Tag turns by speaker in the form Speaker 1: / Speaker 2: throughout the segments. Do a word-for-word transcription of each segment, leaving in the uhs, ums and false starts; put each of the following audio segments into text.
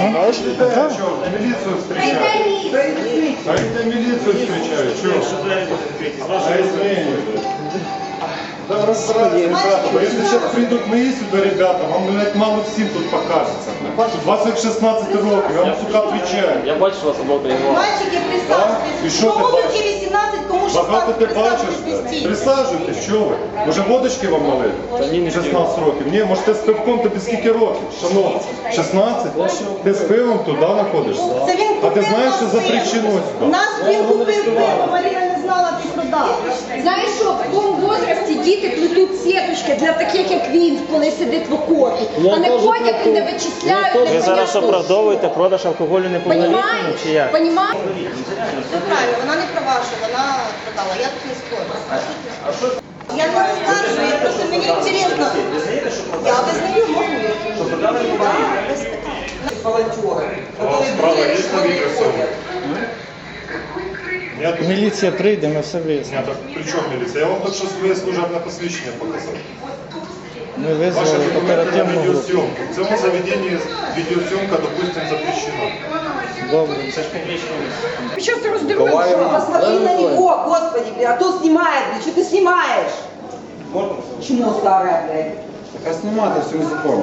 Speaker 1: Знаешь?
Speaker 2: Да. Что, милицию встречают? А это милицию встречают, что? А извини. Да, разбирайтесь, ребята. Если сейчас придут мои сюда, ребята, вам, блядь, мало всем тут покажется. двадцать шестнадцать років, я вам, сука, отвечаю.
Speaker 3: Я бачу вас обох переговорів.
Speaker 4: Мальчики, присаджуйтесь.
Speaker 2: І що ти
Speaker 4: Кому
Speaker 2: бачиш?
Speaker 4: тільки вісімнадцять, кому
Speaker 2: Багато
Speaker 4: шістнадцять,
Speaker 2: ти бачиш,
Speaker 4: присаджуйтесь.
Speaker 2: блядь? Присаджуйтесь, що ви? Може водочки вам налити? шістнадцять років. Ні, може ти з пивком, тобі скільки років? Шановні, шістнадцять? Ти з пивом туди знаходишся?
Speaker 4: Це він
Speaker 2: А ти
Speaker 4: купив
Speaker 2: знаєш, що
Speaker 4: нас
Speaker 2: запрещено
Speaker 4: пиво.
Speaker 2: сюди?
Speaker 4: Нас він купив пиво, Марія не знала, ти продав.
Speaker 5: Знаєш що, в такому возрасті діти плетуть сіточки для таких, як він, коли сидить в окопі. А не ходять і не вичисляють.
Speaker 3: Ви зараз оправдовуєте продаж алкоголю неповнолітнім
Speaker 5: Понімаєш?
Speaker 3: чи як?
Speaker 5: Понімаєш?
Speaker 4: Все правильно, вона не права, що вона продала, я тут не спорю. Я не розкажу, я просто, мені інтересно. Я визнаю, можу. Що продали без питань.
Speaker 6: волонтеры,
Speaker 2: А справа есть на микрофоне? Нет?
Speaker 1: Міліція прийде, ми все вияснимо.
Speaker 2: Нет, так при чем милиция? Я вам только что своє служебне посвідчення показав.
Speaker 1: Ми
Speaker 2: Ваши
Speaker 1: визвали
Speaker 2: документы на
Speaker 1: оперативну групу.
Speaker 2: видеосъемку. В цьому заведении видеосъемка, допустим, запрещена.
Speaker 1: Добре.
Speaker 3: Це ж публічне місце.
Speaker 5: Що ти роздивився?
Speaker 6: Посмотри на него, господи, блядь, а то снимает, блядь, что ты снимаешь? Чмо старое, блядь.
Speaker 7: Так а снимать это все незаконно.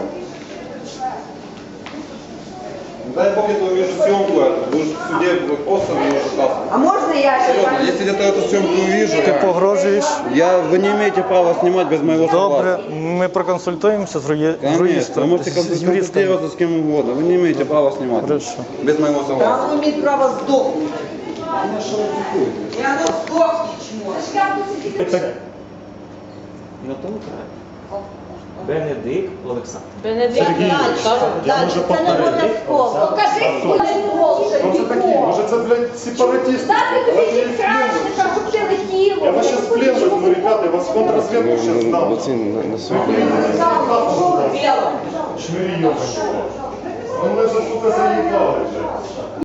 Speaker 7: Дай бог я увижу съемку эту, будешь в суде просто мне ужасно.
Speaker 6: А можно я
Speaker 7: Серьезно,
Speaker 6: сейчас?
Speaker 7: если где-то эту съемку увижу,
Speaker 1: Ти погрожуєш?
Speaker 7: я, вы не имеете права снимать без моего
Speaker 1: Добре,
Speaker 7: согласия.
Speaker 1: ми проконсультуємося з юї- з
Speaker 7: Конечно, вы
Speaker 1: юристом.
Speaker 7: можете
Speaker 1: з юристом.
Speaker 7: консультироваться с кем угодно, вы не имеете права снимать
Speaker 1: Хорошо.
Speaker 7: без моего
Speaker 6: Да,
Speaker 7: согласия.
Speaker 6: он имеет право сдохнуть. Я ну сдохни, чмо.
Speaker 3: На тому краю. Бенедикт Олександр.
Speaker 2: Сергій, я можу повторити.
Speaker 5: Покажи
Speaker 2: Хто це такі? Може це, блядь, сепаратисти? Давайте їх в плен возьмем. Я вас сейчас в плен возьму, ребята, я вас в контрразведку сейчас дам. Шмирьёвый. Ну мы же, сука, заебали же.